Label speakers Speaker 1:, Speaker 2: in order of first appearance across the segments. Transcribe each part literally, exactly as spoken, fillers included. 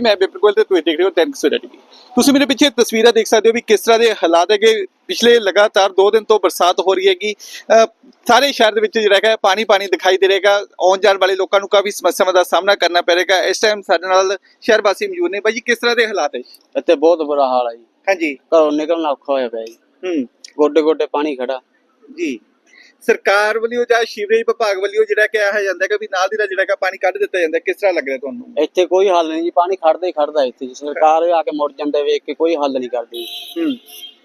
Speaker 1: ਜੀ ਮੈਂ ਬਿਲਕੁਲ ਤੇ ਤੁਸੀਂ ਦੇਖ ਰਹੇ ਹੋ ਟੈਨਕ ਸਵੇਰਾ ਟੀਵੀ। ਤੁਸੀਂ ਮੇਰੇ ਪਿੱਛੇ ਤਸਵੀਰਾਂ ਦੇਖ ਸਕਦੇ ਹੋ ਵੀ ਕਿਸ ਤਰ੍ਹਾਂ ਦੇ ਹਾਲਾਤ ਹੈਗੇ। ਪਿਛਲੇ ਲਗਾਤਾਰ ਦੋ ਦਿਨ ਤੋਂ ਬਰਸਾਤ ਹੋ ਰਹੀ ਹੈਗੀ। ਸਾਰੇ ਸ਼ਹਿਰ ਦੇ ਵਿੱਚ ਜਿਹੜਾ ਹੈਗਾ ਪਾਣੀ ਪਾਣੀ ਦਿਖਾਈ ਦੇ ਰਹੇਗਾ। ਆਉਣ ਜਾਣ ਵਾਲੇ ਲੋਕਾਂ ਨੂੰ ਕਾਫੀ ਸਮੱਸਿਆਵਾਂ ਦਾ ਸਾਹਮਣਾ ਕਰਨਾ ਪੈ ਰਹੇਗਾ। ਇਸ ਟਾਈਮ ਸਾਡੇ ਨਾਲ ਸ਼ਹਿਰ ਵਾਸੀ ਮੌਜੂਦ ਨੇ। ਬਾਈ ਜੀ ਕਿਸ ਤਰ੍ਹਾਂ ਦੇ ਹਾਲਾਤ ਹੈ?
Speaker 2: ਇੱਥੇ ਬਹੁਤ ਬੁਰਾ ਹਾਲ ਹੈ ਜੀ।
Speaker 1: ਹਾਂਜੀ,
Speaker 2: ਘਰੋਂ ਨਿਕਲਣਾ ਔਖਾ ਹੋਇਆ ਪਿਆ ਜੀ।
Speaker 1: ਹੂੰ
Speaker 2: ਗੋਡੇ ਗੋਡੇ ਪਾਣੀ ਖੜਾ
Speaker 1: ਜੀ। ਸਰਕਾਰ ਵੱਲੋਂ ਜਾਂ ਸੀਵਰੇਜ ਵਿਭਾਗ ਵੱਲੋਂ ਜਿਹੜਾ ਕਿਹਾ ਜਾਂਦਾ ਹੈ ਵੀ ਨਾਲ ਦੀ ਨਾਲ ਜਿਹੜਾ ਹੈਗਾ ਪਾਣੀ ਕੱਢ ਦਿੱਤਾ ਜਾਂਦਾ, ਕਿਸ ਤਰ੍ਹਾਂ ਲੱਗ ਰਿਹਾ ਤੁਹਾਨੂੰ?
Speaker 2: ਇੱਥੇ ਕੋਈ ਹੱਲ ਨਹੀਂ ਜੀ, ਪਾਣੀ ਖੜਦਾ ਹੀ ਖੜਦਾ ਇੱਥੇ ਜੀ। ਸਰਕਾਰ ਆ ਕੇ ਮੁੜ ਜਾਂਦੇ ਵੇਖ ਕੇ ਕੋਈ ਹੱਲ ਨਹੀਂ ਕਰਦੀ।
Speaker 1: ਹੂੰ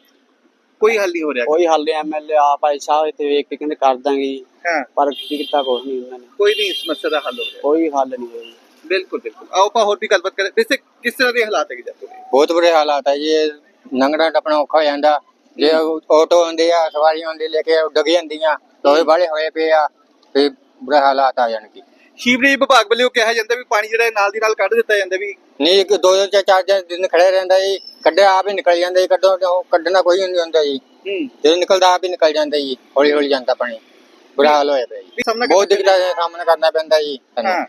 Speaker 1: ਕੋਈ ਹੱਲ ਨਹੀਂ ਹੋ ਰਿਹਾ।
Speaker 2: ਕੋਈ ਹੱਲ ਨਹੀਂ। ਐਮਐਲਏ ਆਪ ਆਏ ਸਾਹਿਬ ਇੱਥੇ ਵੇਖ ਕੇ ਕਹਿੰਦੇ ਕਰ ਦਾਂਗੇ ਜੀ,
Speaker 1: ਹਾਂ,
Speaker 2: ਪਰ ਕੀ ਕੀਤਾ ਕੁਛ ਨਹੀਂ ਉਹਨਾਂ ਨੇ।
Speaker 1: ਕੋਈ ਨਹੀਂ ਸਮੱਸਿਆ ਦਾ ਹੱਲ ਹੋ ਰਿਹਾ।
Speaker 2: ਕੋਈ ਹੱਲ ਨਹੀਂ ਹੋਇਆ।
Speaker 1: ਬਿਲਕੁਲ ਬਿਲकुल। ਆਓ ਆਪਾਂ ਹੋਰ ਵੀ ਗੱਲਬਾਤ ਕਰਾਂ। ਵੈਸੇ ਕਿਸ ਤਰ੍ਹਾਂ ਦੇ ਹਾਲਾਤ ਹੈਗੇ ਜਾਂਦੇ?
Speaker 3: ਬਹੁਤ ਬੁਰੇ ਹਾਲਾਤ ਹੈ ਜੀ। ਲੰਘਣਾ ਟੱਪਣਾ ਔਖਾ ਹੋ ਜਾਂਦਾ। ਜੇ ਆਟੋ ਹੁੰਦੇ ਆ, ਸਵਾਰੀਆਂ ਹੁੰਦੇ ਲੈ ਕੇ ਡਿੱਗ ਜਾਂਦੀਆਂ, ਲੋਹੇ ਵਾਲੇ ਹੋਏ ਪਏ ਆ, ਤੇ ਬੁਰੇ ਹਾਲਾਤ ਆ ਜਾਣਗੇ।
Speaker 1: ਸੀਵਰੇਜ ਵਿਭਾਗ ਵੱਲੋਂ ਕਿਹਾ ਜਾਂਦਾ ਵੀ ਪਾਣੀ ਜਿਹੜਾ ਨਾਲ ਦੀ ਨਾਲ ਕੱਢ ਦਿੱਤਾ ਜਾਂਦਾ ਵੀ
Speaker 3: ਨਹੀਂ, ਇੱਕ ਦੋ ਜਾਂ ਚਾਰ ਦਿਨ ਖੜੇ ਰਹਿੰਦਾ ਜੀ। ਕੱਢਿਆ ਆਪ ਹੀ ਨਿਕਲ ਜਾਂਦਾ ਜੀ। ਕੱਢੋ ਕੱਢਣਾ ਕੋਈ ਨਹੀਂ ਹੁੰਦਾ ਜੀ।
Speaker 1: ਹੂੰ
Speaker 3: ਜਦੋਂ ਨਿਕਲਦਾ ਆਪ ਹੀ ਨਿਕਲ ਜਾਂਦਾ ਜੀ। ਹੌਲੀ ਹੌਲੀ ਜਾਂਦਾ ਪਾਣੀ। ਬੁਰਾ ਹਾਲ ਹੋਇਆ ਪਿਆ ਜੀ। ਬਹੁਤ ਦਿੱਕਤਾਂ ਦਾ ਸਾਹਮਣਾ ਕਰਨਾ ਪੈਂਦਾ ਜੀ।
Speaker 1: ਹਾਂ,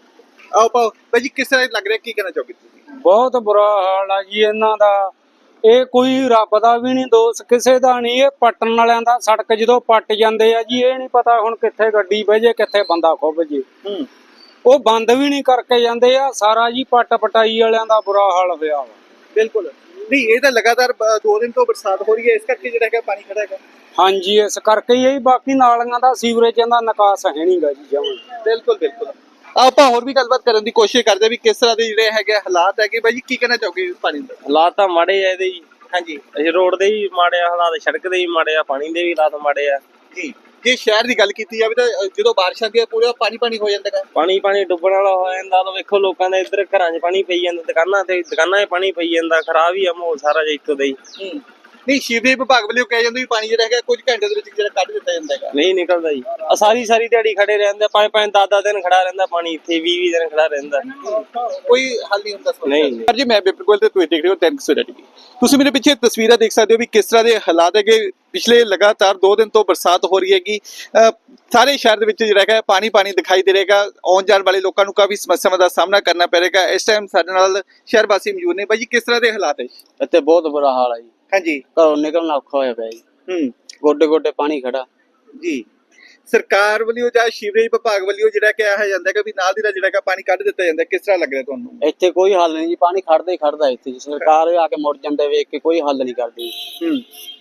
Speaker 1: ਆਓ ਪਾਓ ਬਾਈ ਜੀ ਕਿਸ ਤਰ੍ਹਾਂ ਲੱਗ ਰਿਹਾ, ਕੀ ਕਹਿਣਾ ਚਾਹੋਗੇ ਤੁਸੀਂ?
Speaker 4: ਬਹੁਤ ਬੁਰਾ ਹਾਲ ਆ ਜੀ ਇਹਨਾਂ ਦਾ। ਇਹ ਕੋਈ ਰੱਬ ਦਾ ਵੀ ਨਹੀਂ ਦੋਸ਼, ਕਿਸੇ ਦਾ ਨਹੀਂ। ਇਹ ਪੱਟਣ ਵਾਲਿਆਂ ਦਾ। ਸੜਕ ਜਦੋਂ ਪੱਟ ਜਾਂਦੇ ਆ ਜੀ, ਇਹ ਨਹੀਂ ਪਤਾ ਹੁਣ ਕਿੱਥੇ ਗੱਡੀ ਬਹਿ ਜੇ, ਕਿੱਥੇ ਬੰਦਾ ਖੁੱਭ ਜੇ।
Speaker 1: ਹੂੰ
Speaker 4: ਉਹ ਬੰਦ ਵੀ ਨਹੀਂ ਕਰਕੇ ਜਾਂਦੇ ਆ। ਸਾਰਾ ਜੀ ਪੱਟ ਪਟਾਈ ਵਾਲਿਆਂ ਦਾ ਬੁਰਾ ਹਾਲ ਹੋਇਆ ਵਾ।
Speaker 1: ਬਿਲਕੁਲ। ਨਹੀਂ, ਇਹ ਤਾਂ ਲਗਾਤਾਰ ਦੋ ਦਿਨ ਤੋਂ ਬਰਸਾਤ ਹੋ ਰਹੀ ਹੈ, ਇਸ ਕਰਕੇ ਜਿਹੜਾ ਹੈਗਾ ਪਾਣੀ ਖੜਾ ਹੈਗਾ।
Speaker 4: ਹਾਂਜੀ, ਇਸ ਕਰਕੇ ਹੀ। ਬਾਕੀ ਨਾਲੀਆਂ ਦਾ ਸੀਵਰੇਜਾਂ ਦਾ ਨਿਕਾਸ ਹੈ ਨਹੀਂਗਾ ਜੀ ਜਮਾਂ।
Speaker 1: ਬਿਲਕੁਲ ਬਿਲकुल। ਆਪਾਂ ਹੋਰ ਵੀ ਗੱਲਬਾਤ ਕਰਨ ਦੀ ਕੋਸ਼ਿਸ਼ ਕਰਦੇ ਵੀ ਕਿਸ ਤਰ੍ਹਾਂ ਦੇ ਜਿਹੜੇ ਹੈਗੇ ਹਾਲਾਤ ਹੈਗੇ। ਬਾਈ ਜੀ ਕੀ ਕਹਿਣਾ ਚਾਹੋਗੇ ਪਾਣੀ ਦਾ?
Speaker 5: ਹਾਲਾਤ ਤਾਂ ਮਾੜੇ ਆ ਇਹਦੇ ਜੀ।
Speaker 1: ਹਾਂਜੀ,
Speaker 5: ਅਸੀਂ ਰੋਡ ਦੇ ਵੀ ਮਾੜੇ ਆ ਹਾਲਾਤ, ਸੜਕ ਦੇ ਵੀ ਮਾੜੇ ਆ, ਪਾਣੀ ਦੇ ਵੀ ਹਾਲਾਤ ਮਾੜੇ ਆ
Speaker 1: ਜੀ। ਜੇ ਸ਼ਹਿਰ ਦੀ ਗੱਲ ਕੀਤੀ ਜਾਵੇ ਤਾਂ ਜਦੋਂ ਬਾਰਿਸ਼ ਆਉਂਦੀ ਹੈ ਪੂਰਾ ਪਾਣੀ ਪਾਣੀ ਹੋ ਜਾਂਦਾ ਹੈ।
Speaker 5: ਪਾਣੀ ਪਾਣੀ ਡੁੱਬਣ ਵਾਲਾ ਹੋ ਜਾਂਦਾ। ਤਾਂ ਵੇਖੋ ਲੋਕਾਂ ਦੇ ਇੱਧਰ ਘਰਾਂ 'ਚ ਪਾਣੀ ਪਈ ਜਾਂਦਾ, ਦੁਕਾਨਾਂ ਤੇ ਦੁਕਾਨਾਂ 'ਚ ਪਾਣੀ ਪਈ ਜਾਂਦਾ। ਖਰਾਬ ਹੀ ਆ ਮਾਹੌਲ ਸਾਰਾ ਜਿਹਾ ਇੱਕੋ ਦਾ ਹੀ।
Speaker 1: ਹੂੰ ਨਹੀਂ, ਸੀਵਰੇਜ ਵਿਭਾਗ ਵੱਲੋਂ ਕਿਹਾ ਜਾਂਦਾ ਵੀ ਪਾਣੀ ਜਿਹੜਾ ਹੈਗਾ ਕੁਝ ਘੰਟੇ ਦੇ ਵਿੱਚ ਜਿਹੜਾ ਕੱਢ ਦਿੱਤਾ ਜਾਂਦਾ ਹੈਗਾ।
Speaker 5: ਨਹੀਂ ਨਿਕਲਦਾ ਜੀ। ਆ ਸਾਰੀ ਸਾਰੀ ਦਿਹਾੜੀ ਖੜੇ ਰਹਿੰਦੇ, ਪੰਜ ਪੰਜ ਦਸ ਦਸ ਦਿਨ ਖੜਾ ਰਹਿੰਦਾ ਪਾਣੀ ਇੱਥੇ, ਵੀਹ ਵੀਹ ਦਿਨ ਖੜਾ ਰਹਿੰਦਾ।
Speaker 1: ਕੋਈ ਹੱਲ ਨਹੀਂ ਹੁੰਦਾ।
Speaker 5: ਨਹੀਂ
Speaker 1: ਪਰ ਜੀ ਮੈਂ ਬਿਲਕੁਲ ਤੇ ਤੁਸੀਂ ਦੇਖ ਰਹੇ ਹੋ ਟੈਨਕ ਸਵੇਰਾ ਟੀਵੀ। ਤੁਸੀਂ ਮੇਰੇ ਪਿੱਛੇ ਤਸਵੀਰਾਂ ਦੇਖ ਸਕਦੇ ਹੋ ਵੀ ਕਿਸ ਤਰ੍ਹਾਂ ਦੇ ਹਾਲਾਤ ਹੈਗੇ। ਪਿਛਲੇ ਲਗਾਤਾਰ ਦੋ ਦਿਨ ਤੋਂ ਬਰਸਾਤ ਹੋ ਰਹੀ ਹੈਗੀ। ਸਾਰੇ ਸ਼ਹਿਰ ਦੇ ਵਿੱਚ ਜਿਹੜਾ ਹੈਗਾ ਪਾਣੀ ਪਾਣੀ ਦਿਖਾਈ ਦੇ ਰਹੇਗਾ। ਆਉਣ ਜਾਣ ਵਾਲੇ ਲੋਕਾਂ ਨੂੰ ਕਾਫੀ ਸਮੱਸਿਆਵਾਂ ਦਾ ਸਾਹਮਣਾ ਕਰਨਾ ਪੈ ਰਹੇਗਾ। ਇਸ ਟਾਈਮ ਸਾਡੇ ਨਾਲ ਸ਼ਹਿਰ ਵਾਸੀ ਮੌਜੂਦ ਨੇ। ਬਾਈ ਜੀ ਕਿਸ ਤਰ੍ਹਾਂ ਦੇ ਹਾਲਾਤ ਹੈ?
Speaker 2: ਇੱਥੇ ਬਹੁਤ ਬੁਰਾ ਹਾਲ ਹੈ ਜੀ।
Speaker 1: ਹਾਂਜੀ,
Speaker 2: ਘਰੋਂ ਨਿਕਲਣਾ ਔਖਾ ਹੋਇਆ ਪਿਆ ਜੀ।
Speaker 1: ਹੂੰ
Speaker 2: ਗੋਡੇ ਗੋਡੇ ਪਾਣੀ ਖੜਾ
Speaker 1: ਜੀ। ਸਰਕਾਰ ਵੱਲੋਂ ਜਾਂ ਸੀਵਰੇਜ ਵਿਭਾਗ ਵੱਲੋਂ ਜਿਹੜਾ ਕਿਹਾ ਜਾਂਦਾ ਹੈ ਵੀ ਨਾਲ ਦੀ ਨਾਲ ਜਿਹੜਾ ਹੈਗਾ ਪਾਣੀ ਕੱਢ ਦਿੱਤਾ ਜਾਂਦਾ, ਕਿਸ ਤਰ੍ਹਾਂ ਲੱਗ ਰਿਹਾ ਤੁਹਾਨੂੰ?
Speaker 2: ਇੱਥੇ ਕੋਈ ਹੱਲ ਨਹੀਂ ਜੀ, ਪਾਣੀ ਖੜਦਾ ਹੀ ਖੜਦਾ ਇੱਥੇ ਜੀ। ਸਰਕਾਰ ਆ ਕੇ ਮੁੜ ਜਾਂਦੇ ਵੇਖ ਕੇ ਕੋਈ ਹੱਲ ਨਹੀਂ ਕਰਦੀ।
Speaker 1: ਹੂੰ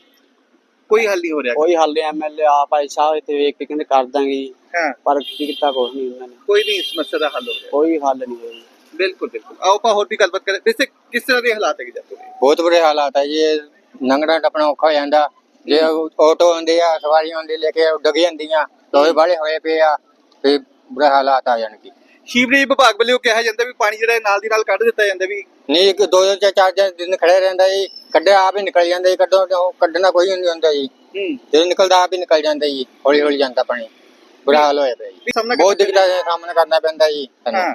Speaker 1: ਕੋਈ ਹੱਲ ਨਹੀਂ ਹੋ ਰਿਹਾ।
Speaker 2: ਕੋਈ ਹੱਲ ਨਹੀਂ। ਐਮਐਲਏ ਆਪ ਆਏ ਸਾਹਿਬ ਇੱਥੇ ਵੇਖ ਕੇ ਕਹਿੰਦੇ ਕਰ ਦਾਂਗੇ ਜੀ,
Speaker 1: ਹਾਂ,
Speaker 2: ਪਰ ਕੀ ਕੀਤਾ ਕੁਛ ਨਹੀਂ ਉਹਨਾਂ ਨੇ।
Speaker 1: ਕੋਈ ਨਹੀਂ ਸਮੱਸਿਆ ਦਾ ਹੱਲ ਹੋ ਰਿਹਾ।
Speaker 2: ਕੋਈ ਹੱਲ ਨਹੀਂ ਹੋਇਆ।
Speaker 1: ਬਿਲਕੁਲ ਬਿਲकुल। ਆਓ ਆਪਾਂ ਹੋਰ ਵੀ ਗੱਲਬਾਤ ਕਰਾਂ। ਵੈਸੇ ਕਿਸ ਤਰ੍ਹਾਂ ਦੇ ਹਾਲਾਤ ਹੈਗੇ ਜਾਂਦੇ?
Speaker 3: ਬਹੁਤ ਬੁਰੇ ਹਾਲਾਤ ਹੈ ਜੀ। ਲੰਘਣਾ ਟੱਪਣਾ ਔਖਾ ਹੋ ਜਾਂਦਾ। ਜੇ ਆਟੋ ਹੁੰਦੇ ਆ, ਸਵਾਰੀਆਂ ਹੁੰਦੇ ਲੈ ਕੇ ਡਿੱਗ ਜਾਂਦੀਆਂ, ਲੋਹੇ ਵਾਲੇ ਹੋਏ ਪਏ ਆ, ਤੇ ਬੁਰੇ ਹਾਲਾਤ ਆ ਜਾਣਗੇ।
Speaker 1: ਸੀਵਰੇਜ ਵਿਭਾਗ ਵੱਲੋਂ ਕਿਹਾ ਜਾਂਦਾ ਵੀ ਪਾਣੀ ਜਿਹੜਾ ਨਾਲ ਦੀ ਨਾਲ ਕੱਢ ਦਿੱਤਾ ਜਾਂਦਾ ਵੀ
Speaker 3: ਨਹੀਂ, ਇੱਕ ਦੋ ਜਾਂ ਚਾਰ ਦਿਨ ਖੜੇ ਰਹਿੰਦਾ ਜੀ। ਕੱਢਿਆ ਆਪ ਹੀ ਨਿਕਲ ਜਾਂਦਾ ਜੀ। ਕੱਢੋ ਕੱਢਣਾ ਕੋਈ ਨਹੀਂ ਹੁੰਦਾ ਜੀ।
Speaker 1: ਹੂੰ
Speaker 3: ਜਦੋਂ ਨਿਕਲਦਾ ਆਪ ਹੀ ਨਿਕਲ ਜਾਂਦਾ ਜੀ। ਹੌਲੀ ਹੌਲੀ ਜਾਂਦਾ ਪਾਣੀ। ਬੁਰਾ ਹਾਲ ਹੋਇਆ ਪਿਆ ਜੀ। ਬਹੁਤ ਦਿੱਕਤਾਂ ਦਾ ਸਾਹਮਣਾ ਕਰਨਾ ਪੈਂਦਾ ਜੀ।
Speaker 1: ਹਾਂ,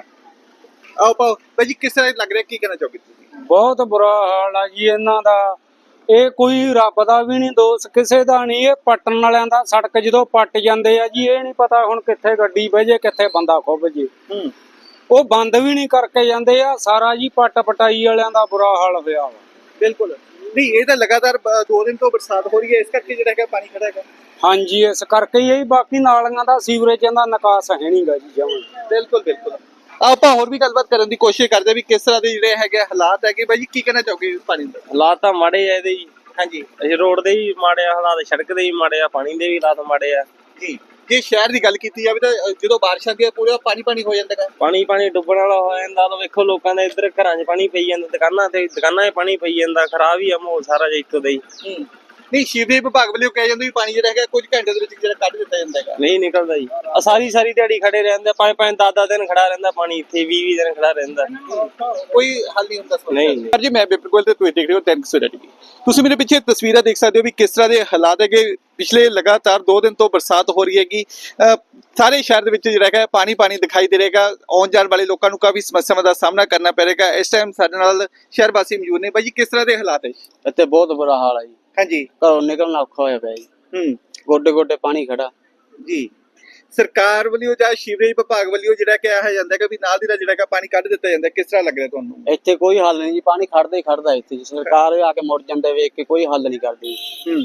Speaker 1: ਆਓ ਪਾਓ ਬਾਈ ਜੀ ਕਿਸ ਤਰ੍ਹਾਂ ਲੱਗ ਰਿਹਾ, ਕੀ ਕਹਿਣਾ ਚਾਹੋਗੇ ਤੁਸੀਂ?
Speaker 4: ਬਹੁਤ ਬੁਰਾ ਹਾਲ ਆ ਜੀ ਇਹਨਾਂ ਦਾ। ਇਹ ਕੋਈ ਰੱਬ ਦਾ ਵੀ ਨਹੀਂ ਦੋਸ਼, ਕਿਸੇ ਦਾ ਨਹੀਂ। ਇਹ ਪੱਟਣ ਵਾਲਿਆਂ ਦਾ। ਸੜਕ ਜਦੋਂ ਪੱਟ ਜਾਂਦੇ ਆ ਜੀ, ਇਹ ਨਹੀਂ ਪਤਾ ਹੁਣ ਕਿੱਥੇ ਗੱਡੀ ਬਹਿ ਜੇ, ਕਿੱਥੇ ਬੰਦਾ ਖੁੱਭ ਜੇ।
Speaker 1: ਹੂੰ
Speaker 4: ਉਹ ਬੰਦ ਵੀ ਨਹੀਂ ਕਰਕੇ ਜਾਂਦੇ ਆ। ਸਾਰਾ ਜੀ ਪੱਟ ਪਟਾਈ ਵਾਲਿਆਂ ਦਾ ਬੁਰਾ ਹਾਲ ਹੋਇਆ ਵਾ।
Speaker 1: ਬਿਲਕੁਲ। ਨਹੀਂ, ਇਹ ਤਾਂ ਲਗਾਤਾਰ ਦੋ ਦਿਨ ਤੋਂ ਬਰਸਾਤ ਹੋ ਰਹੀ ਹੈ, ਇਸ ਕਰਕੇ ਜਿਹੜਾ ਹੈਗਾ ਪਾਣੀ ਖੜਾ ਹੈਗਾ।
Speaker 4: ਹਾਂਜੀ, ਇਸ ਕਰਕੇ ਹੀ। ਬਾਕੀ ਨਾਲੀਆਂ ਦਾ ਸੀਵਰੇਜਾਂ ਦਾ ਨਿਕਾਸ ਹੈ ਨਹੀਂਗਾ ਜੀ ਜਮਾਂ।
Speaker 1: ਬਿਲਕੁਲ ਬਿਲकुल। ਆਪਾਂ ਹੋਰ ਵੀ ਗੱਲਬਾਤ ਕਰਨ ਦੀ ਕੋਸ਼ਿਸ਼ ਕਰਦੇ ਵੀ ਕਿਸ ਤਰ੍ਹਾਂ ਦੇ ਜਿਹੜੇ ਹੈਗੇ ਹਾਲਾਤ ਹੈਗੇ। ਬਾਈ ਜੀ ਕੀ ਕਹਿਣਾ ਚਾਹੋਗੇ ਪਾਣੀ ਦਾ?
Speaker 5: ਹਾਲਾਤ ਤਾਂ ਮਾੜੇ ਆ ਇਹਦੇ ਜੀ।
Speaker 1: ਹਾਂਜੀ,
Speaker 5: ਅਸੀਂ ਰੋਡ ਦੇ ਵੀ ਮਾੜੇ ਆ ਹਾਲਾਤ, ਸੜਕ ਦੇ ਵੀ ਮਾੜੇ ਆ, ਪਾਣੀ ਦੇ ਵੀ ਹਾਲਾਤ ਮਾੜੇ ਆ
Speaker 1: ਜੀ। ਜੇ ਸ਼ਹਿਰ ਦੀ ਗੱਲ ਕੀਤੀ ਜਾਵੇ ਤਾਂ ਜਦੋਂ ਬਾਰਿਸ਼ ਆਉਂਦੀ ਹੈ ਪੂਰਾ ਪਾਣੀ ਪਾਣੀ ਹੋ ਜਾਂਦਾ ਹੈ।
Speaker 5: ਪਾਣੀ ਪਾਣੀ ਡੁੱਬਣ ਵਾਲਾ ਹੋ ਜਾਂਦਾ। ਤਾਂ ਵੇਖੋ ਲੋਕਾਂ ਦੇ ਇੱਧਰ ਘਰਾਂ 'ਚ ਪਾਣੀ ਪਈ ਜਾਂਦਾ, ਦੁਕਾਨਾਂ ਤੇ ਦੁਕਾਨਾਂ 'ਚ ਪਾਣੀ ਪਈ ਜਾਂਦਾ। ਖਰਾਬ ਹੀ ਆ ਮਾਹੌਲ ਸਾਰਾ ਜਿਹਾ ਇੱਕੋ ਦਾ ਹੀ।
Speaker 1: ਹੂੰ ਨਹੀਂ, ਸੀਵਰੇਜ ਵਿਭਾਗ ਵੱਲੋਂ ਕਿਹਾ ਜਾਂਦਾ ਵੀ ਪਾਣੀ ਜਿਹੜਾ ਹੈਗਾ ਕੁਝ ਘੰਟੇ ਦੇ ਵਿੱਚ ਜਿਹੜਾ ਕੱਢ ਦਿੱਤਾ ਜਾਂਦਾ ਹੈਗਾ।
Speaker 5: ਨਹੀਂ ਨਿਕਲਦਾ ਜੀ। ਆ ਸਾਰੀ ਸਾਰੀ ਦਿਹਾੜੀ ਖੜੇ ਰਹਿੰਦੇ, ਪੰਜ ਪੰਜ ਦਸ ਦਸ ਦਿਨ ਖੜਾ ਰਹਿੰਦਾ ਪਾਣੀ ਇੱਥੇ, ਵੀਹ ਵੀਹ ਦਿਨ ਖੜਾ ਰਹਿੰਦਾ।
Speaker 1: ਕੋਈ ਹੱਲ ਨਹੀਂ ਹੁੰਦਾ।
Speaker 5: ਨਹੀਂ
Speaker 1: ਪਰ ਜੀ ਮੈਂ ਬਿਲਕੁਲ ਤੇ ਤੁਸੀਂ ਦੇਖ ਰਹੇ ਹੋ ਟੈਨਕ ਸਵੇਰਾ ਟੀਵੀ। ਤੁਸੀਂ ਮੇਰੇ ਪਿੱਛੇ ਤਸਵੀਰਾਂ ਦੇਖ ਸਕਦੇ ਹੋ ਵੀ ਕਿਸ ਤਰ੍ਹਾਂ ਦੇ ਹਾਲਾਤ ਹੈਗੇ। ਪਿਛਲੇ ਲਗਾਤਾਰ ਦੋ ਦਿਨ ਤੋਂ ਬਰਸਾਤ ਹੋ ਰਹੀ ਹੈਗੀ। ਸਾਰੇ ਸ਼ਹਿਰ ਦੇ ਵਿੱਚ ਜਿਹੜਾ ਹੈਗਾ ਪਾਣੀ ਪਾਣੀ ਦਿਖਾਈ ਦੇ ਰਹੇਗਾ। ਆਉਣ ਜਾਣ ਵਾਲੇ ਲੋਕਾਂ ਨੂੰ ਕਾਫੀ ਸਮੱਸਿਆਵਾਂ ਦਾ ਸਾਹਮਣਾ ਕਰਨਾ ਪੈ ਰਹੇਗਾ। ਇਸ ਟਾਈਮ ਸਾਡੇ ਨਾਲ ਸ਼ਹਿਰ ਵਾਸੀ ਮੌਜੂਦ ਨੇ। ਬਾਈ ਜੀ ਕਿਸ ਤਰ੍ਹਾਂ ਦੇ ਹਾਲਾਤ ਹੈ?
Speaker 2: ਇੱਥੇ ਬਹੁਤ ਬੁਰਾ ਹਾਲ ਹੈ ਜੀ।
Speaker 1: ਹਾਂਜੀ,
Speaker 2: ਘਰੋਂ ਨਿਕਲਣਾ ਔਖਾ ਹੋਇਆ ਪਿਆ ਜੀ।
Speaker 1: ਹੂੰ
Speaker 2: ਗੋਡੇ ਗੋਡੇ ਪਾਣੀ ਖੜਾ
Speaker 1: ਜੀ। ਸਰਕਾਰ ਵੱਲੋਂ ਜਾਂ ਸੀਵਰੇਜ ਵਿਭਾਗ ਵੱਲੋਂ ਜਿਹੜਾ ਕਿਹਾ ਜਾਂਦਾ ਕਿ ਵੀ ਨਾਲ ਦੀ ਨਾਲ ਜਿਹੜਾ ਕਿ ਪਾਣੀ ਕੱਢ ਦਿੱਤਾ ਜਾਂਦਾ, ਕਿਸ ਤਰ੍ਹਾਂ ਲੱਗ ਰਿਹਾ ਤੁਹਾਨੂੰ?
Speaker 2: ਇੱਥੇ ਕੋਈ ਹੱਲ ਨਹੀਂ ਜੀ, ਪਾਣੀ ਖੜਦਾ ਹੀ ਖੜਦਾ ਇੱਥੇ ਜੀ। ਸਰਕਾਰ ਆ ਕੇ ਮੁੜ ਜਾਂਦੇ ਵੇਖ ਕੇ ਕੋਈ ਹੱਲ ਨਹੀਂ ਕਰਦੀ,
Speaker 1: ਹੂੰ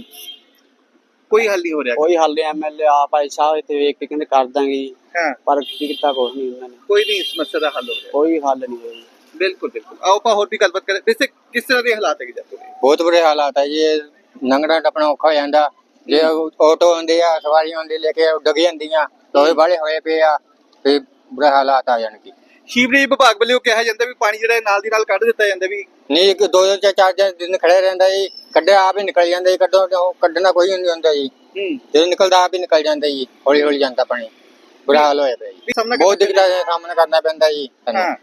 Speaker 1: ਕੋਈ ਹੱਲ ਨਹੀਂ ਹੋ ਰਿਹਾ।
Speaker 2: ਕੋਈ ਹੱਲ ਨਹੀਂ। ਐਮਐਲਏ ਆਪ ਆਏ ਸਾਹਿਬ ਇੱਥੇ ਵੇਖ ਕੇ ਕਹਿੰਦੇ ਕਰ ਦਾਂਗੇ ਜੀ,
Speaker 1: ਹਾਂ
Speaker 2: ਪਰ ਕੀ ਕੀਤਾ ਕੁਛ ਨਹੀਂ ਉਹਨਾਂ ਨੇ,
Speaker 1: ਕੋਈ ਨਹੀਂ ਇਸ ਸਮੱਸਿਆ ਦਾ ਹੱਲ ਹੋ ਰਿਹਾ।
Speaker 2: ਕੋਈ ਹੱਲ ਨਹੀਂ ਹੋਇਆ।
Speaker 1: ਬਿਲਕੁਲ ਬਿਲकुल ਆਓ ਆਪਾਂ ਹੋਰ ਵੀ ਗੱਲਬਾਤ ਕਰਾਂ। ਵੈਸੇ ਕਿਸ ਤਰ੍ਹਾਂ ਦੇ ਹਾਲਾਤ ਹੈਗੇ ਜਾਂਦੇ ਨੇ?
Speaker 3: ਬਹੁਤ ਬੁਰੇ ਹਾਲਾਤ ਹੈ ਜੀ। ਇਹ ਲੰਘਣਾ ਟੱਪਣਾ ਔਖਾ ਹੋ ਜਾਂਦਾ। ਜੇ ਆਟੋ ਹੁੰਦੇ ਆ, ਸਵਾਰੀਆਂ ਹੁੰਦੀ ਲੈ ਕੇ ਡਿੱਗ ਜਾਂਦੀਆਂ, ਲੋਹੇ ਵਾਲੇ ਹੋਏ ਪਏ ਆ, ਤੇ ਬੁਰੇ ਹਾਲਾਤ ਆ ਜਾਣਗੇ।
Speaker 1: ਸੀਵਰੇਜ ਵਿਭਾਗ ਵੱਲੋਂ ਕਿਹਾ ਜਾਂਦਾ ਵੀ ਪਾਣੀ ਜਿਹੜਾ ਨਾਲ ਦੀ ਨਾਲ ਕੱਢ ਦਿੱਤਾ ਜਾਂਦਾ ਵੀ।
Speaker 3: ਨਹੀਂ, ਇੱਕ ਦੋ ਦੋ ਚਾਰ ਚਾਰ ਦਿਨ ਖੜੇ ਰਹਿੰਦਾ ਜੀ, ਕੱਢਿਆ ਆਪ ਹੀ ਨਿਕਲ ਜਾਂਦਾ ਜੀ। ਕੱਢੋ ਕੱਢਣਾ ਕੋਈ ਨਹੀਂ ਹੁੰਦਾ ਜੀ,
Speaker 1: ਹੂੰ
Speaker 3: ਜਦੋਂ ਨਿਕਲਦਾ ਆਪ ਹੀ ਨਿਕਲ ਜਾਂਦਾ ਜੀ, ਹੌਲੀ ਹੌਲੀ ਜਾਂਦਾ ਪਾਣੀ। ਬੁਰਾ ਹਾਲ ਹੋਇਆ ਪਿਆ ਜੀ,
Speaker 1: ਸਾਹਮਣਾ
Speaker 3: ਬਹੁਤ ਦਿੱਕਤਾਂ ਦਾ ਸਾਹਮਣਾ ਕਰਨਾ ਪੈਂਦਾ ਜੀ ਸਾਨੂੰ।
Speaker 1: ਹਾਂ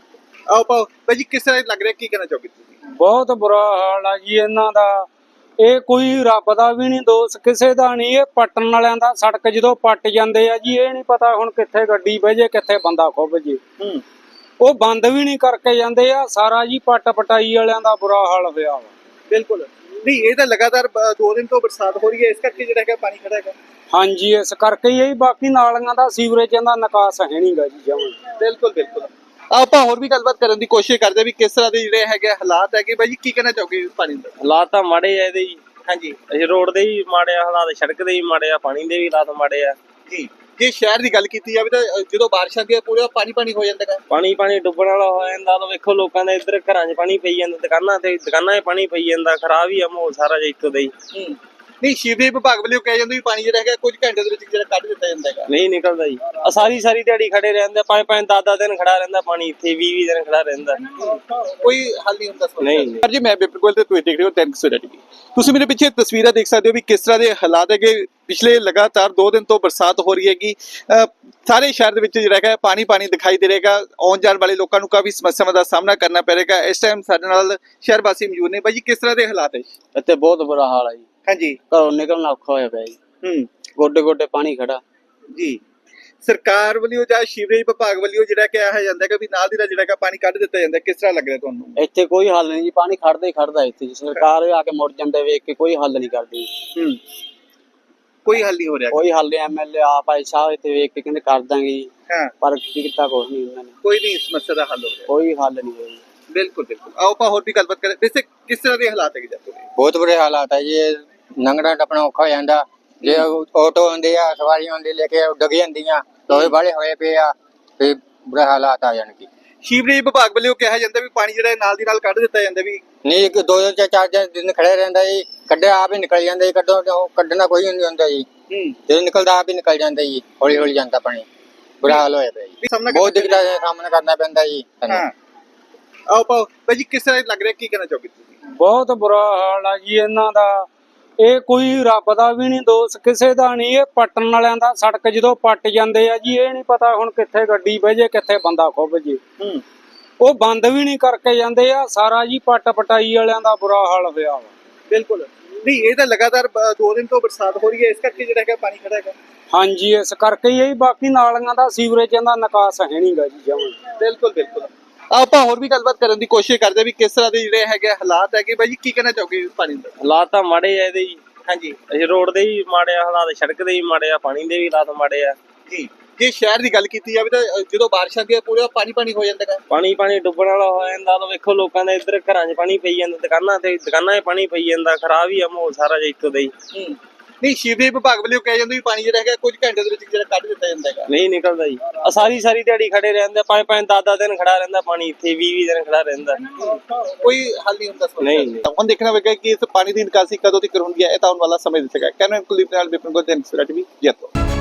Speaker 1: ਆਓ ਆਪਾਂ ਭਾਈ ਜੀ ਕਿਸ ਤਰ੍ਹਾਂ ਲੱਗ ਰਿਹਾ, ਕੀ ਕਹਿਣਾ ਚਾਹੋਗੇ ਤੁਸੀਂ?
Speaker 4: ਬਹੁਤ ਬੁਰਾ ਹਾਲ ਆ ਜੀ ਇਹਨਾਂ ਦਾ। ਇਹ ਕੋਈ ਰੱਬ ਦਾ ਵੀ ਨਹੀਂ ਦੋਸ਼, ਕਿਸੇ ਦਾ ਨਹੀਂ। ਇਹ ਪੱਟਣ ਵਾਲਿਆਂ ਦਾ, ਸੜਕ ਜਦੋਂ ਪੱਟ ਜਾਂਦੇ ਆ ਜੀ, ਇਹ ਨਹੀਂ ਪਤਾ ਹੁਣ ਕਿੱਥੇ ਗੱਡੀ ਬਹਿ ਜੇ, ਕਿੱਥੇ ਬੰਦਾ ਖੁੱਭ ਜੇ।
Speaker 1: ਹੂੰ
Speaker 4: ਉਹ ਬੰਦ ਵੀ ਨਹੀਂ ਕਰਕੇ ਜਾਂਦੇ ਆ ਸਾਰਾ ਜੀ। ਪੱਟ ਪਟਾਈ ਵਾਲਿਆਂ ਦਾ ਬੁਰਾ ਹਾਲ ਹੋਇਆ ਵਾ।
Speaker 1: ਬਿਲਕੁਲ ਨਹੀਂ, ਇਹ ਤਾਂ ਲਗਾਤਾਰ ਬ- ਦੋ ਦਿਨ ਤੋਂ ਬਰਸਾਤ ਹੋ ਰਹੀ ਹੈ, ਇਸ ਕਰਕੇ ਜਿਹੜਾ ਹੈਗਾ ਪਾਣੀ ਖੜਾ ਹੈਗਾ।
Speaker 4: ਹਾਂਜੀ, ਇਸ ਕਰਕੇ ਹੀ। ਬਾਕੀ ਨਾਲੀਆਂ ਦਾ, ਸੀਵਰੇਜਾਂ ਦਾ ਨਿਕਾਸ ਹੈ ਨਹੀਂਗਾ ਜੀ ਜਮਾਂ।
Speaker 1: ਬਿਲਕੁਲ ਬਿਲਕੁਲ ਆਪਾਂ ਹੋਰ ਵੀ ਗੱਲਬਾਤ ਕਰਨ ਦੀ ਕੋਸ਼ਿਸ਼ ਕਰਦੇ ਹਾਂ ਵੀ ਕਿਸ ਤਰ੍ਹਾਂ ਦੇ ਜਿਹੜੇ ਹੈਗੇ ਹਾਲਾਤ ਹੈਗੇ। ਬਾਈ ਜੀ ਕੀ ਕਹਿਣਾ ਚਾਹੋਗੇ ਇਸ ਪਾਣੀ ਦਾ?
Speaker 5: ਹਾਲਾਤ ਤਾਂ ਮਾੜੇ ਆ ਇਹਦੇ ਜੀ।
Speaker 1: ਹਾਂਜੀ
Speaker 5: ਅਸੀਂ ਰੋਡ ਦੇ ਹੀ ਮਾੜੇ ਆ ਹਾਲਾਤ, ਸੜਕ ਦੇ ਹੀ ਮਾੜੇ ਆ, ਪਾਣੀ ਦੇ ਵੀ ਹਾਲਾਤ ਮਾੜੇ ਆ
Speaker 1: ਜੀ। ਜੇ ਸ਼ਹਿਰ ਦੀ ਗੱਲ ਕੀਤੀ ਜਾਵੇ ਤਾਂ ਅ, ਜਦੋਂ ਬਾਰਿਸ਼ ਆਉਂਦੀ ਹੈ ਪੂਰਾ ਪਾਣੀ ਪਾਣੀ ਹੋ ਜਾਂਦਾ ਹੈ।
Speaker 5: ਪਾਣੀ ਪਾਣੀ ਡੁੱਬਣ ਵਾਲਾ ਹੋ ਜਾਂਦਾ। ਤਾਂ ਵੇਖੋ ਲੋਕਾਂ ਦੇ ਇੱਧਰ ਘਰਾਂ 'ਚ ਪਾਣੀ ਪਈ ਜਾਂਦਾ, ਦੁਕਾਨਾਂ ਤੇ ਦੁਕਾਨਾਂ 'ਚ ਪਾਣੀ ਪਈ ਜਾਂਦਾ। ਖਰਾਬ ਹੀ ਆ ਮਾਹੌਲ ਸਾਰਾ ਜਿਹਾ ਇੱਕੋ ਦਾ ਹੀ।
Speaker 1: ਹੂੰ ਨਹੀਂ, ਸੀਵਰੇਜ ਵਿਭਾਗ ਵੱਲੋਂ ਕਿਹਾ ਜਾਂਦਾ ਵੀ ਪਾਣੀ ਜਿਹੜਾ ਹੈਗਾ ਕੁਝ ਘੰਟੇ ਦੇ ਵਿੱਚ ਜਿਹੜਾ ਕੱਢ ਦਿੱਤਾ ਜਾਂਦਾ ਹੈਗਾ।
Speaker 5: ਨਹੀਂ ਨਿਕਲਦਾ ਜੀ। ਆ ਸਾਰੀ ਸਾਰੀ ਦਿਹਾੜੀ ਖੜੇ ਰਹਿੰਦੇ, ਪੰਜ ਪੰਜ ਦਸ ਦਸ ਦਿਨ ਖੜਾ ਰਹਿੰਦਾ ਪਾਣੀ ਇੱਥੇ, ਵੀਹ ਵੀਹ ਦਿਨ ਖੜਾ ਰਹਿੰਦਾ।
Speaker 1: ਕੋਈ ਹੱਲ ਨਹੀਂ ਹੁੰਦਾ ਸਮੱਸਿਆ
Speaker 5: ਨਹੀਂ,
Speaker 1: ਦਾ।
Speaker 5: ਨਹੀਂ।
Speaker 1: ਪਰ ਜੀ ਮੈਂ ਬਿਲਕੁਲ ਤੇ ਤੁਸੀਂ ਦੇਖ ਰਹੇ ਹੋ ਟੈਨਕ ਸਵੇਰਾ ਟੀਵੀ। ਤੁਸੀਂ ਮੇਰੇ ਪਿੱਛੇ ਤਸਵੀਰਾਂ ਦੇਖ ਸਕਦੇ ਹੋ ਵੀ ਕਿਸ ਤਰ੍ਹਾਂ ਦੇ ਹਾਲਾਤ ਹੈਗੇ। ਪਿਛਲੇ ਲਗਾਤਾਰ ਦੋ ਦਿਨ ਤੋਂ ਬਰਸਾਤ ਹੋ ਰਹੀ ਹੈਗੀ। ਅ, ਸਾਰੇ ਸ਼ਹਿਰ ਦੇ ਵਿੱਚ ਜਿਹੜਾ ਹੈਗਾ ਪਾਣੀ ਪਾਣੀ ਦਿਖਾਈ ਦੇ ਰਹੇਗਾ। ਆਉਣ ਜਾਣ ਵਾਲੇ ਲੋਕਾਂ ਨੂੰ ਕਾਫੀ ਸਮੱਸਿਆਵਾਂ ਦਾ ਸਾਹਮਣਾ ਕਰਨਾ ਪੈ ਰਹੇਗਾ। ਇਸ ਟਾਈਮ ਸਾਡੇ ਨਾਲ ਸ਼ਹਿਰ ਵਾਸੀ ਮੌਜੂਦ ਨੇ। ਬਾਈ ਜੀ ਕਿਸ ਤਰ੍ਹਾਂ ਦੇ ਹਾਲਾਤ ਹੈ?
Speaker 2: ਇੱਥੇ ਬਹੁਤ ਬੁਰਾ ਹਾਲ ਹੈ ਜੀ,
Speaker 1: ਹਾਂਜੀ
Speaker 2: ਘਰੋਂ ਨਿਕਲਣਾ ਔਖਾ ਹੋਇਆ ਪਿਆ ਜੀ।
Speaker 1: ਹੂੰ
Speaker 2: ਗੋਡੇ ਗੋਡੇ ਪਾਣੀ ਖੜਾ।
Speaker 1: ਜੀ ਸਰਕਾਰ ਵੱਲੋਂ ਜਾਂ ਸੀਵਰੇਜ ਵਿਭਾਗ ਵੱਲੋਂ ਜਿਹੜਾ ਕਿਹਾ ਜਾਂਦਾ ਕਿ ਵੀ ਨਾਲ ਦੀ ਨਾਲ ਜਿਹੜਾ ਹੈਗਾ ਪਾਣੀ ਕੱਢ ਦਿੱਤਾ ਜਾਂਦਾ, ਕਿਸ ਤਰ੍ਹਾਂ ਲੱਗ ਰਿਹਾ ਤੁਹਾਨੂੰ?
Speaker 2: ਇੱਥੇ ਕੋਈ ਹੱਲ ਨਹੀਂ ਜੀ, ਪਾਣੀ ਖੜਦਾ ਹੀ ਖੜਦਾ ਇੱਥੇ ਜੀ। ਸਰਕਾਰ ਆ ਕੇ ਮੁੜ ਜਾਂਦੇ ਵੇਖ ਕੇ ਕੋਈ ਹੱਲ ਨਹੀਂ ਕਰਦੀ,
Speaker 1: ਹੂੰ ਕੋਈ ਹੱਲ ਨਹੀਂ ਹੋ ਰਿਹਾ।
Speaker 2: ਕੋਈ ਹੱਲ ਨਹੀਂ। ਐਮਐਲਏ ਆਪ ਆਏ ਸਾਹਿਬ ਇੱਥੇ ਵੇਖ ਕੇ ਕਹਿੰਦੇ ਕਰ ਦਾਂਗੇ ਜੀ,
Speaker 1: ਹਾਂ
Speaker 2: ਪਰ ਕੀ ਕੀਤਾ ਕੁਛ ਨਹੀਂ ਉਹਨਾਂ ਨੇ,
Speaker 1: ਕੋਈ ਨਹੀਂ ਇਸ ਸਮੱਸਿਆ ਦਾ ਹੱਲ ਹੋ ਰਿਹਾ।
Speaker 2: ਕੋਈ ਹੱਲ ਨਹੀਂ ਹੋਇਆ।
Speaker 1: ਬਿਲਕੁਲ ਬਿਲकुल ਆਓ ਆਪਾਂ ਹੋਰ ਵੀ ਗੱਲਬਾਤ ਕਰਾਂ। ਵੈਸੇ ਕਿਸ ਤਰ੍ਹਾਂ ਦੇ ਹਾਲਾਤ ਹੈਗੇ ਜਾਂਦੇ ਨੇ?
Speaker 3: ਬਹੁਤ ਬੁਰੇ ਹਾਲਾਤ ਹੈ ਜੀ। ਇਹ ਲੰਘਣਾ ਟੱਪਣਾ ਔਖਾ ਹੋ ਜਾਂਦਾ। ਜੇ ਆਟੋ ਹੁੰਦੇ ਆ, ਸਵਾਰੀਆਂ ਹੁੰਦੀ ਲੈ ਕੇ ਡਿੱਗ ਜਾਂਦੀਆਂ, ਲੋਹੇ ਵਾਲੇ ਹੋਏ ਪਏ ਆ, ਤੇ ਬੁਰੇ ਹਾਲਾਤ ਆ ਜਾਣਗੇ।
Speaker 1: ਸੀਵਰੇਜ ਵਿਭਾਗ ਵੱਲੋਂ ਕਿਹਾ ਜਾਂਦਾ ਵੀ ਪਾਣੀ ਜਿਹੜਾ ਨਾਲ ਦੀ ਨਾਲ ਕੱਢ ਦਿੱਤਾ ਜਾਂਦਾ ਵੀ।
Speaker 3: ਨਹੀਂ, ਇੱਕ ਦੋ ਦੋ ਚਾਰ ਚਾਰ ਦਿਨ ਖੜੇ ਰਹਿੰਦਾ ਜੀ, ਕੱਢਿਆ ਆਪ ਹੀ ਨਿਕਲ ਜਾਂਦਾ ਜੀ। ਕੱਢੋ ਕੱਢਣਾ ਕੋਈ ਨਹੀਂ ਹੁੰਦਾ ਜੀ,
Speaker 1: ਹੂੰ
Speaker 3: ਜਦੋਂ ਨਿਕਲਦਾ ਆਪ ਹੀ ਨਿਕਲ ਜਾਂਦਾ ਜੀ, ਹੌਲੀ ਹੌਲੀ ਜਾਂਦਾ ਪਾਣੀ। ਬੁਰਾ ਹਾਲ ਹੋਇਆ ਪਿਆ ਜੀ,
Speaker 1: ਸਾਹਮਣਾ
Speaker 3: ਬਹੁਤ ਦਿੱਕਤਾਂ ਦਾ ਸਾਹਮਣਾ ਕਰਨਾ ਪੈਂਦਾ ਜੀ ਸਾਨੂੰ।
Speaker 1: ਹਾਂ ਆਓ ਆਪਾਂ ਭਾਈ ਜੀ ਕਿਸ ਤਰ੍ਹਾਂ ਲੱਗ ਰਿਹਾ, ਕੀ ਕਹਿਣਾ ਚਾਹੋਗੇ ਤੁਸੀਂ?
Speaker 4: ਬਹੁਤ ਬੁਰਾ ਹਾਲ ਆ ਜੀ ਇਹਨਾਂ ਦਾ। ਇਹ ਕੋਈ ਰੱਬ ਦਾ ਵੀ ਨਹੀਂ ਦੋਸ਼, ਕਿਸੇ ਦਾ ਨਹੀਂ। ਇਹ ਪੱਟਣ ਵਾਲਿਆਂ ਦਾ, ਸੜਕ ਜਦੋਂ ਪੱਟ ਜਾਂਦੇ ਆ ਜੀ, ਇਹ ਨਹੀਂ ਪਤਾ ਹੁਣ ਕਿੱਥੇ ਗੱਡੀ ਬਹਿ ਜੇ, ਕਿੱਥੇ ਬੰਦਾ ਖੁੱਭ ਜੇ।
Speaker 1: ਹੂੰ
Speaker 4: ਉਹ ਬੰਦ ਵੀ ਨਹੀਂ ਕਰਕੇ ਜਾਂਦੇ ਆ ਸਾਰਾ ਜੀ। ਪੱਟ ਪਟਾਈ ਵਾਲਿਆਂ ਦਾ ਬੁਰਾ ਹਾਲ ਹੋਇਆ ਵਾ।
Speaker 1: ਬਿਲਕੁਲ ਨਹੀਂ, ਇਹ ਤਾਂ ਲਗਾਤਾਰ ਬ- ਦੋ ਦਿਨ ਤੋਂ ਬਰਸਾਤ ਹੋ ਰਹੀ ਹੈ, ਇਸ ਕਰਕੇ ਜਿਹੜਾ ਹੈਗਾ ਪਾਣੀ ਖੜਾ ਹੈਗਾ।
Speaker 4: ਹਾਂਜੀ, ਇਸ ਕਰਕੇ ਹੀ। ਬਾਕੀ ਨਾਲੀਆਂ ਦਾ, ਸੀਵਰੇਜਾਂ ਦਾ ਨਿਕਾਸ ਹੈ ਨਹੀਂਗਾ ਜੀ ਜਮਾਂ।
Speaker 1: ਬਿਲਕੁਲ ਬਿਲकुल ਆਪਾਂ ਹੋਰ ਵੀ ਗੱਲਬਾਤ ਕਰਨ ਦੀ ਕੋਸ਼ਿਸ਼ ਕਰਦੇ ਹਾਂ ਵੀ ਕਿਸ ਤਰ੍ਹਾਂ ਦੇ ਜਿਹੜੇ ਹੈਗੇ ਹਾਲਾਤ ਹੈਗੇ। ਬਾਈ ਜੀ ਕੀ ਕਹਿਣਾ ਚਾਹੋਗੇ ਇਸ ਪਾਣੀ ਦਾ?
Speaker 5: ਹਾਲਾਤ ਤਾਂ ਮਾੜੇ ਆ ਇਹਦੇ ਜੀ।
Speaker 1: ਹਾਂਜੀ
Speaker 5: ਅਸੀਂ ਰੋਡ ਦੇ ਹੀ ਮਾੜੇ ਆ ਹਾਲਾਤ, ਸੜਕ ਦੇ ਹੀ ਮਾੜੇ ਆ, ਪਾਣੀ ਦੇ ਵੀ ਹਾਲਾਤ ਮਾੜੇ ਆ
Speaker 1: ਜੀ। ਜੇ ਸ਼ਹਿਰ ਦੀ ਗੱਲ ਕੀਤੀ ਜਾਵੇ ਤਾਂ ਅ, ਜਦੋਂ ਬਾਰਿਸ਼ ਆਉਂਦੀ ਹੈ ਪੂਰਾ ਪਾਣੀ ਪਾਣੀ ਹੋ ਜਾਂਦਾ ਹੈ।
Speaker 5: ਪਾਣੀ ਪਾਣੀ ਡੁੱਬਣ ਵਾਲਾ ਹੋ ਜਾਂਦਾ। ਤਾਂ ਵੇਖੋ ਲੋਕਾਂ ਦੇ ਇੱਧਰ ਘਰਾਂ 'ਚ ਪਾਣੀ ਪਈ ਜਾਂਦਾ, ਦੁਕਾਨਾਂ ਤੇ ਦੁਕਾਨਾਂ 'ਚ ਪਾਣੀ ਪਈ ਜਾਂਦਾ। ਖਰਾਬ ਹੀ ਆ ਮਾਹੌਲ ਸਾਰਾ ਜਿਹਾ ਇੱਕੋ ਦਾ ਹੀ।
Speaker 1: ਹੂੰ ਨਹੀਂ, ਸੀਵਰੇਜ ਵਿਭਾਗ ਵੱਲੋਂ ਕਿਹਾ ਜਾਂਦਾ ਵੀ ਪਾਣੀ ਜਿਹੜਾ ਹੈਗਾ ਕੁਝ ਘੰਟੇ ਦੇ ਵਿੱਚ ਜਿਹੜਾ ਕੱਢ ਦਿੱਤਾ ਜਾਂਦਾ ਹੈਗਾ।
Speaker 5: ਨਹੀਂ ਨਿਕਲਦਾ ਜੀ। ਆ ਸਾਰੀ ਸਾਰੀ ਦਿਹਾੜੀ ਖੜੇ ਰਹਿੰਦੇ, ਪੰਜ ਪੰਜ ਦਸ ਦਸ ਦਿਨ ਖੜਾ ਰਹਿੰਦਾ ਪਾਣੀ ਇੱਥੇ, ਵੀਹ ਵੀਹ ਦਿਨ ਖੜਾ ਰਹਿੰਦਾ।
Speaker 1: ਕੋਈ ਹੱਲ ਨਹੀਂ ਹੁੰਦਾ ਸਮੱਸਿਆ
Speaker 5: ਨਹੀਂ,
Speaker 1: ਦਾ।
Speaker 5: ਨਹੀਂ।
Speaker 1: ਹੁਣ ਦੇਖਣਾ ਹੋਵੇਗਾ ਕਿ ਇਸ ਪਾਣੀ ਦੀ ਨਿਕਾਸੀ ਕਦੋਂ ਤੱਕ ਹੁੰਦੀ ਹੈ। ਇਹ ਤਾਂ ਆਉਣ ਵਾਲਾ ਸਮੇਂ ਦੱਸੇਗਾ। ਕੈਮਰਾ ਕੁਲੀਪ ਨਾਲ ਵਿਪਨ ਗੋਦਨ ਸਰਾਟਵੀ ਜੈਤੋ।